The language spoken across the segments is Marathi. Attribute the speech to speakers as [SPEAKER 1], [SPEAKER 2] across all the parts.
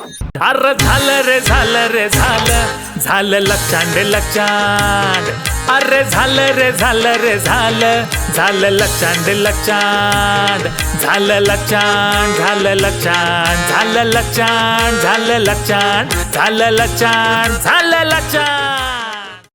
[SPEAKER 1] अरे झालं रे झालं रे झालं झालं लक्षांड लक्षांड. अरे झालं रे झालं रे झालं झालं लक्षांड लक्षांड. झालं लक्षांड झालं लक्षांड झालं लक्षांड झालं लक्षांड झालं लक्षांड झालं लक्षांड.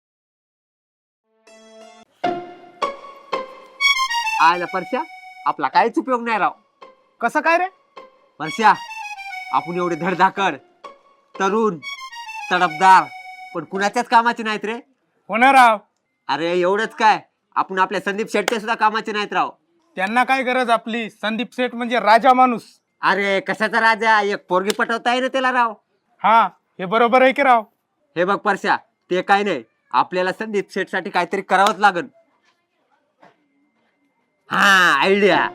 [SPEAKER 2] आयला परश्या आपला काहीच उपयोग नाही राव.
[SPEAKER 3] कसं काय रे?
[SPEAKER 2] परश्या आपण एवढे धडधाकड तरुण तडफदार पण कुणाच्याच कामाचे नाहीत रे.
[SPEAKER 3] होणार राव.
[SPEAKER 2] अरे एवढंच काय, आपण आपल्या संदीप शेट्टे सुद्धा कामाचे नाहीत राव.
[SPEAKER 3] त्यांना काय गरज आपली? संदीप सेठ म्हणजे राजा माणूस.
[SPEAKER 2] अरे कशाचा राजा, एक पोरगी पटवता आहे ना त्याला राव.
[SPEAKER 3] हा हे बरोबर आहे की राव.
[SPEAKER 2] हे बघ परश्या, ते काय नाही, आपल्याला संदीप शेठ साठी काहीतरी करावंच लागल. हा आयडिया.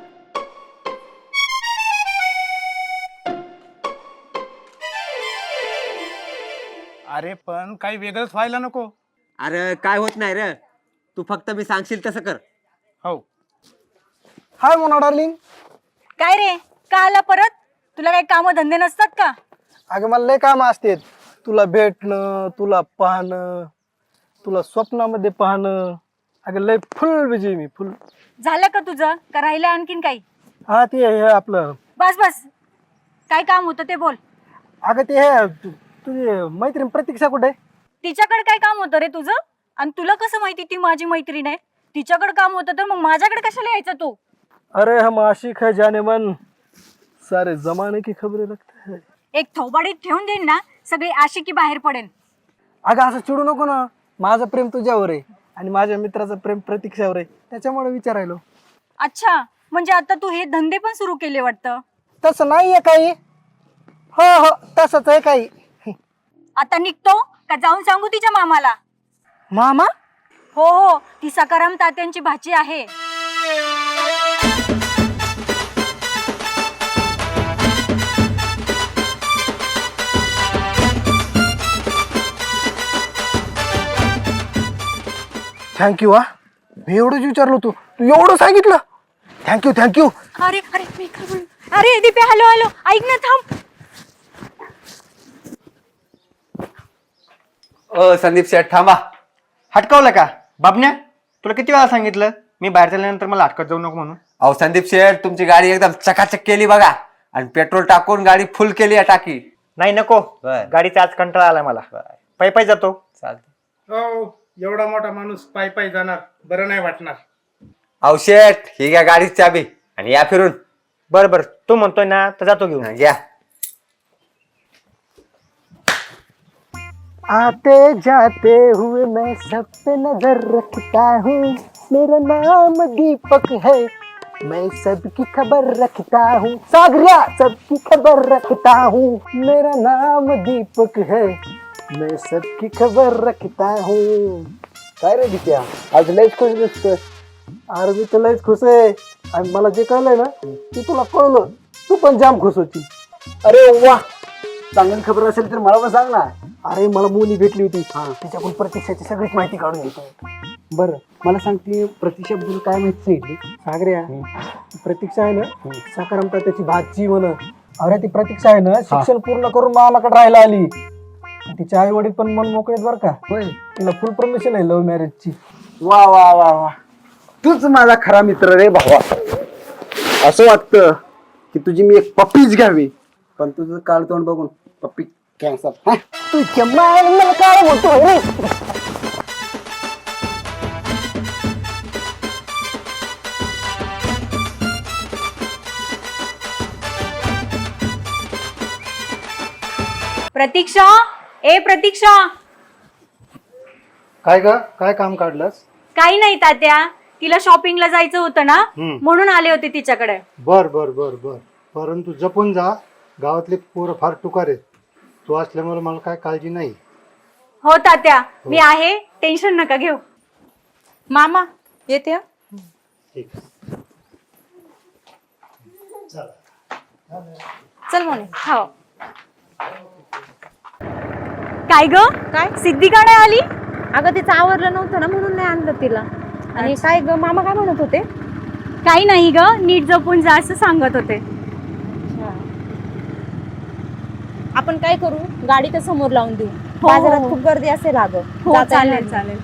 [SPEAKER 3] अरे पण काही वेगळंच व्हायला नको.
[SPEAKER 2] अरे काय होत नाही रे, तू फक्त मी सांगशील तसं कर.
[SPEAKER 3] हो.
[SPEAKER 4] Hi Mona darling.
[SPEAKER 5] काय रे, का आला परत? तुला काही काम धंदे नसतात का?
[SPEAKER 4] अगं मला लय काम असते, तुला भेटणं, तुला पाहणं, तुला स्वप्नामध्ये पाहणं. अगं लय फुल बिजी मी, फुल.
[SPEAKER 5] झालं का तुझं, का राहिलं आणखीन काही?
[SPEAKER 4] हा ते हे आपलं.
[SPEAKER 5] बस बस, काय काम होतं ते बोल.
[SPEAKER 4] अगं ते हे तुझी मैत्रीण प्रतीक्षा कुठे?
[SPEAKER 5] तिच्याकडे काय काम होतं रे तुझं? आणि तुला कसं माहिती ती माझी मैत्रीण आहे? तिच्याकडे काम होतं तर मग माझ्याकडे कशाला यायचं तू?
[SPEAKER 4] अरे हम आशिक है जाने मन, सारे जमाने की खबरें रखते हैं.
[SPEAKER 5] एक थोबाडीत ठेवून देईन ना, सगळी आशिकी बाहेर पडेल.
[SPEAKER 4] अगं असं चिडू नको ना, माझं प्रेम तुझ्यावर आहे आणि माझ्या मित्राचं प्रेम प्रतीक्षावर आहे, त्याच्यामुळे विचारायलो.
[SPEAKER 5] अच्छा, म्हणजे आता तू हे धंदे पण सुरू केले वाटतं?
[SPEAKER 4] तसं नाहीये काही. हो हो तसंच आहे काही.
[SPEAKER 5] आता निघतो का जाऊन सांगू तिच्या मामाला?
[SPEAKER 4] मामा?
[SPEAKER 5] हो हो, ती सकाराम तात्यांची भाची आहे.
[SPEAKER 4] थँक्यू. हा मी एवढंच विचारलो, तू तू एवढं सांगितलं. Thank you thank you.
[SPEAKER 5] अरे अरे मी काय बोलू? अरे दीपे, हॅलो हॅलो, ऐक ना, थांब.
[SPEAKER 2] संदीप शेठ थांबा.
[SPEAKER 6] हटकावलं का बाबण्या? तुला किती वेळा सांगितलं मी बाहेर चालल्यानंतर मला हटकत जाऊ नको म्हणून.
[SPEAKER 2] अहो संदीप शेठ, तुमची गाडी एकदम चकाचक केली बघा, आणि पेट्रोल टाकून गाडी फुल केली आहे टाकी.
[SPEAKER 6] नाही नको,
[SPEAKER 2] बर.
[SPEAKER 6] गाडीचा आज कंटाळा आलाय मला. पायी पायी जातो.
[SPEAKER 2] चालतं.
[SPEAKER 3] हो, एवढा मोठा माणूस पायी पायी जाणार, बरं नाही वाटणार.
[SPEAKER 2] अहो शेठ, ही घ्या गाडीची चाबी आणि या फिरून.
[SPEAKER 6] बर बर, तू म्हणतोय ना तर जातो घेऊन.
[SPEAKER 2] घ्या.
[SPEAKER 4] आते जाते हुए मैं सब पे नजर रखता हूँ, मेरा नाम दीपक है, मैं सबकी खबर रखता हूँ. सागरिया सबकी खबर रखता हूँ, मेरा नाम दीपक है, मैं सबकी खबर रखता हूँ. काय रे दित्या, आज लयच खुश दिसतोय. अरे मी तर लयच खुश आहे, आणि मला जे कळलंय ना ते तुला कळलं, तू पण जाम खुश होती. अरे वा, चांगली खबर असेल तर मला पण सांग ना. अरे मला मुली भेटली होती, तिच्याकडून प्रतीक्षाची सगळीच माहिती काढून घेतो. बरं मला सांगते, प्रतीक्षाबद्दल काय माहिती सांगितली? सागऱ्या, प्रतीक्षा आहे ना साकारामता त्याची भाची म्हण. अरे ती प्रतीक्षा आहे ना शिक्षण पूर्ण करून मामाकडे राहायला आली. तिचे आई वडील पण मन मोकळेत बरं का. होय, तिला फुल परमिशन आहे लव्ह मॅरेजची.
[SPEAKER 7] वा वा वा वा, तूच माझा खरा मित्र रे भावा. असं वाटतं की तुझी मी एक पप्पीच घ्यावी, पण तुझं काळ तोंड बघून पप्पी कॅन्सर.
[SPEAKER 4] तुझ्या मला काय म्हणतो रे.
[SPEAKER 5] प्रतीक्षा, ए प्रतीक्षा.
[SPEAKER 4] काय ग, काय काम काढलंस?
[SPEAKER 5] काही नाही तात्या, तिला शॉपिंगला जायचं होतं ना, म्हणून आले होते तिच्याकडे.
[SPEAKER 8] बर बर बर बर, परंतु जपून जा, गावातले पोरं फार टुकार आहेत. तू असल्यामुळे मला काय काळजी नाही.
[SPEAKER 5] हो तात्या, मी आहे, टेन्शन नका घेऊ. मामा येते.
[SPEAKER 8] ठीक आहे.
[SPEAKER 5] चल मोने. हो. काय ग, काय सिद्धी का नाही आली?
[SPEAKER 9] अगं तिचं आवरलं नव्हतं ना, म्हणून नाही आणलं तिला. आणि काय ग, मामा काय म्हणत होते?
[SPEAKER 5] काही नाही ग, नीट जपून जा असं सांगत होते.
[SPEAKER 9] आपण काय करू, गाडी तर समोर लावून देऊ.
[SPEAKER 5] हो.
[SPEAKER 9] बाजारात खूप गर्दी असेल अगं.
[SPEAKER 5] हो
[SPEAKER 9] जाता येणार
[SPEAKER 5] चालेल
[SPEAKER 9] नाही.
[SPEAKER 5] चालेल.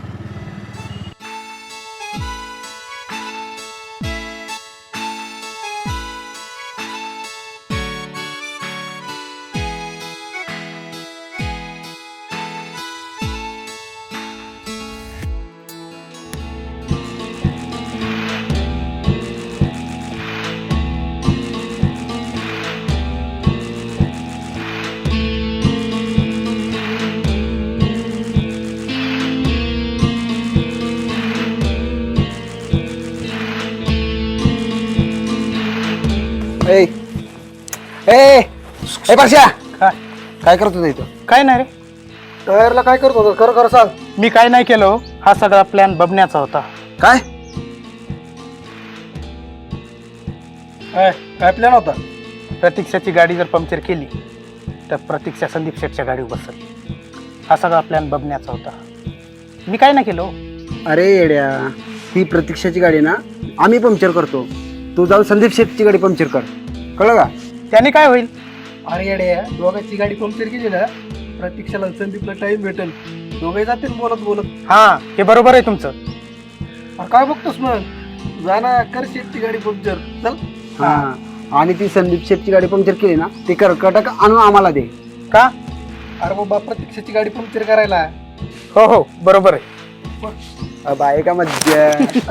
[SPEAKER 7] ए ए ए परश्या काय करत होता इथं?
[SPEAKER 6] काय नाही रे,
[SPEAKER 7] टायरला काय करत होता? खरं खरं सांग.
[SPEAKER 6] मी काय नाही केलं हो. हा सगळा प्लॅन बबण्याचा होता.
[SPEAKER 7] काय काय प्लॅन होता?
[SPEAKER 6] प्रतीक्षाची गाडी जर पंक्चर केली तर प्रतीक्षा संदीप शेठच्या गाडीवर बसल. हा सगळा प्लॅन बबण्याचा होता. मी काय नाही केलं हो.
[SPEAKER 7] अरे येड्या, ही प्रतीक्षाची गाडी ना आम्ही पंक्चर करतो. तू जाऊन संदीप शेठची गाडी पंक्चर कर. कळलं का?
[SPEAKER 6] त्याने काय होईल?
[SPEAKER 4] अरे येड्या, दोघांची गाडी पंक्चर केली ना, प्रतीक्षाला संदीपला टाइम भेटेल. दोघे जातील बोलत बोलत.
[SPEAKER 6] हा, हे बरोबर आहे तुमचं.
[SPEAKER 4] अरे काय बघतोस मग, जा ना कर शेठची गाडी पंक्चर. चल.
[SPEAKER 7] हा, आणि ती संदीप शेठची गाडी पंक्चर केली ना, ते कर्कटक आणून आम्हाला दे.
[SPEAKER 6] का?
[SPEAKER 4] अरे बाबा, प्रतीक्षाची गाडी पंक्चर करायला.
[SPEAKER 6] हो हो, बरोबर आहे.
[SPEAKER 7] बाय का मज्जा.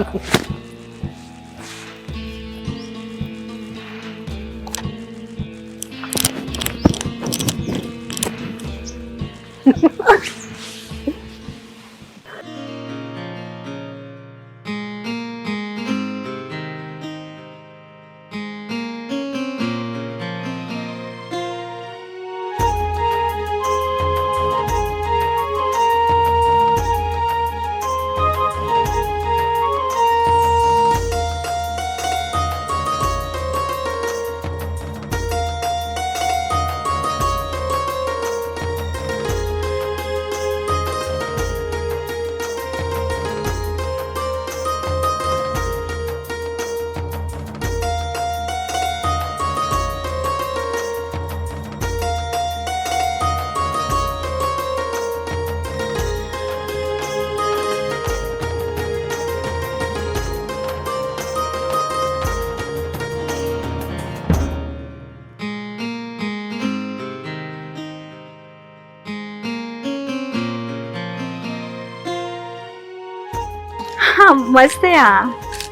[SPEAKER 5] हा मस्त आहे हा.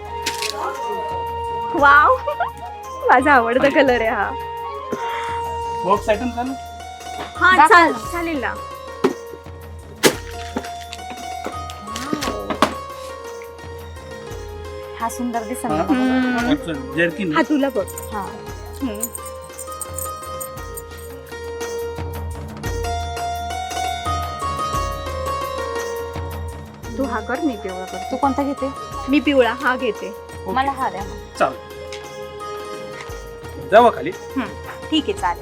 [SPEAKER 5] वाव, माझा आवडता कलर आहे हा.
[SPEAKER 3] बॉक्स आयटम चालू.
[SPEAKER 5] हा चालेल ना.
[SPEAKER 9] हा सुंदर दिसत.
[SPEAKER 3] जर्किन.
[SPEAKER 5] हा तुला बघ. हा. तू हा कर, मी पिवळा कर.
[SPEAKER 9] तू कोणता घेते?
[SPEAKER 5] मी पिवळा हा घेते.
[SPEAKER 9] मला हा द्या.
[SPEAKER 3] चाल जावा खाली.
[SPEAKER 5] ठीक आहे चालेल.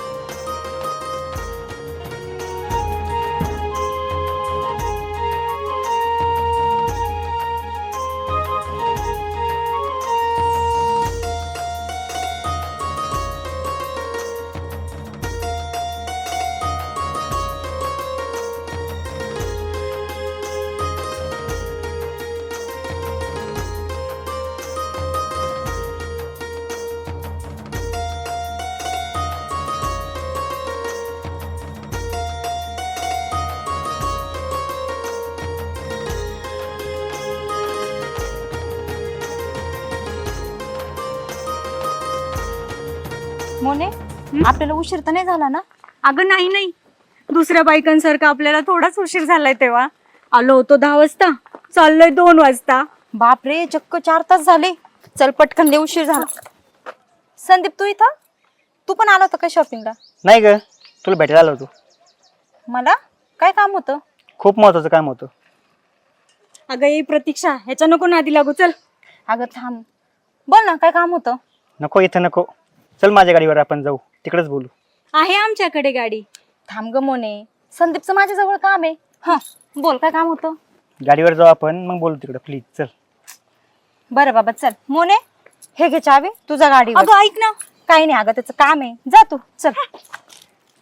[SPEAKER 9] मोने, आपल्याला उशीर तर नाही झाला ना?
[SPEAKER 5] अगं नाही नाही, दुसऱ्या बायकांसारखा आपल्याला थोडाच उशीर झालाय. तेव्हा आलो होतो 10 वाजता, चाललोय 2 वाजता.
[SPEAKER 9] बापरे, चक्क 4 तास झाले. चल पटकन, लय उशीर झाला. संदीप, तू इथं? तू पण आला होता का शॉपिंगला?
[SPEAKER 6] नाही ग, तुला भेटायला आलो होतो.
[SPEAKER 9] मला काय काम होतं?
[SPEAKER 6] खूप महत्वाचं काम होतं.
[SPEAKER 5] अगं ये प्रतीक्षा, ह्याच्या नको नादी लागू. चल.
[SPEAKER 9] अगं थांब, बोल ना, काय काम होतं?
[SPEAKER 6] नको, इथं नको. चल माझ्या गाडीवर आपण जाऊ, तिकडेच बोलू.
[SPEAKER 5] आहे आमच्याकडे गाडी.
[SPEAKER 9] थांब ग मोने, संदीपचं माझ्याजवळ काम आहे. हा बोल, काय काम होतं?
[SPEAKER 6] गाडीवर जाऊ आपण, मग बोलू तिकडे. प्लीज चल.
[SPEAKER 9] बरं बाबा, चल. मोने, हे घे चावी, तुझा गाडी.
[SPEAKER 5] अगं ऐक ना.
[SPEAKER 9] काही नाही, अगं त्याचं काम आहे. जा तू, चल.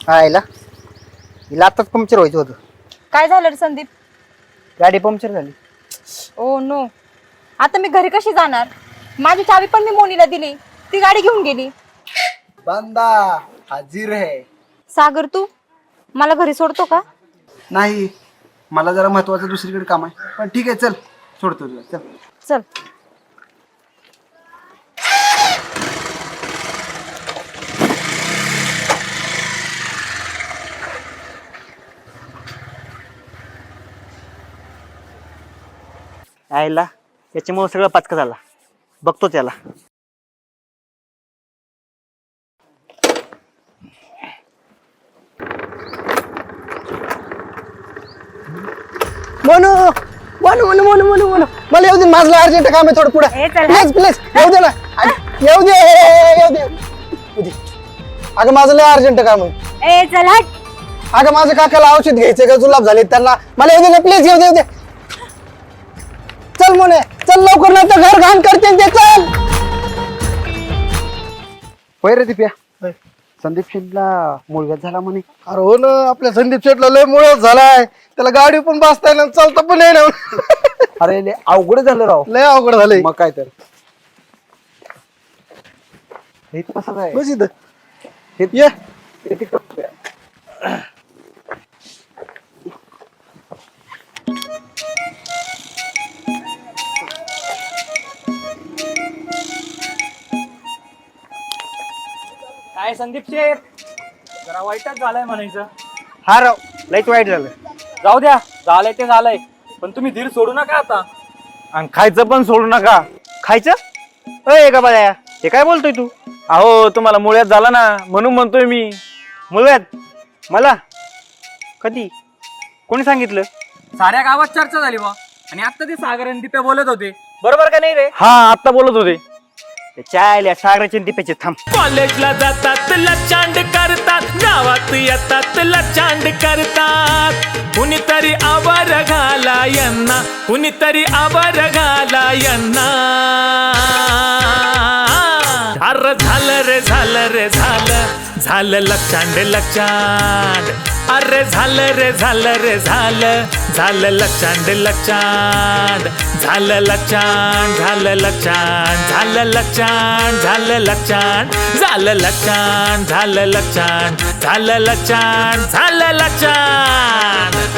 [SPEAKER 4] आयला हिला आताच पंक्चर व्हायचं होतं.
[SPEAKER 9] काय झालं रे संदीप?
[SPEAKER 4] गाडी पंक्चर झाली.
[SPEAKER 9] ओ नो, आता मी घरी कशी जाणार? माझी चावी पण मी मोनीला दिली, ती गाडी घेऊन गेली.
[SPEAKER 7] बांदा हाजीर है.
[SPEAKER 9] सागर तू मला घरी सोडतो का?
[SPEAKER 7] नाही, मला जरा महत्वाचं दुसरीकडे काम आहे, पण ठीक आहे चल, सोडतो तुला, चल.
[SPEAKER 9] चल.
[SPEAKER 4] आयला याच्यामुळे सगळं पाचका झाला. बघतो त्याला. म्हणू म्हणू म्हणू म्हणू म्हणू म्हणू मला येऊ दे, माझं अर्जंट काम आहे थोडं पुढे.
[SPEAKER 5] ए, चल.
[SPEAKER 4] प्लीज प्लीज येऊ दे ना. येऊ दे येऊ दे येऊ दे. अगं माझं लय अर्जंट काम आहे.
[SPEAKER 5] ए चल हट.
[SPEAKER 4] अगं माझ्या काकाला औषध घ्यायचे का जुलाब झाले त्यांना, मला येऊ दे ना प्लीज, येऊ दे येऊ दे. चल म्हणे, चल लवकर, नाही तर घर घाण करते ते. चल.
[SPEAKER 7] होय रे दिप्या, संदीप शेठला मुलगा झाला म्हणे.
[SPEAKER 8] अरे हो ना, आपल्या संदीप शेटला लय मुळच झालाय. त्याला गाडी पण बसता येणार, चालता पण येणार.
[SPEAKER 7] अरे लय अवघड झालं राव.
[SPEAKER 8] लय अवघड झालंय.
[SPEAKER 7] मग काय तर हे कसं काय
[SPEAKER 8] बस इथं.
[SPEAKER 7] हे
[SPEAKER 8] ये.
[SPEAKER 7] हे तिकडं.
[SPEAKER 1] काय संदीप शेठ, जरा वाईटच झालंय म्हणायचं.
[SPEAKER 4] हा राव, लयच वाईट झालं.
[SPEAKER 1] जाऊ द्या, झालंय ते झालंय, पण तुम्ही धीर सोडू नका आता.
[SPEAKER 4] आणि खायचं पण सोडू नका. खायचं? अय का बाया, हे काय बोलतोय तू?
[SPEAKER 1] अहो तुम्हाला मुळ्यात झाला ना, म्हणून म्हणतोय मी.
[SPEAKER 4] मुळव्यात? मला कधी? कोणी सांगितलं?
[SPEAKER 1] साऱ्या गावात चर्चा झाली बा, आणि आता ते सागर आणि दिप्या बोलत होते. बरोबर का नाही रे?
[SPEAKER 4] हा, आता बोलत होते. चायल्या सागराचे दिप्याचे थांब.
[SPEAKER 1] कॉलेजला जातात लचांड करतात, गावात येतात लचांड करतात. कुणीतरी आवर घाला यांना, कुणीतरी आवर घाला यांना. अरे झालं रे झालं रे झालं, झालं लचांड लचांड. अरे झालं रे झालं रे झालं, झालं लचांड लचांड. झालं लचांड झालं लचांड, झालं लचांड झालं लचांड. झालं लचांड झालं लचांड, झालं लचांड झालं लचांड.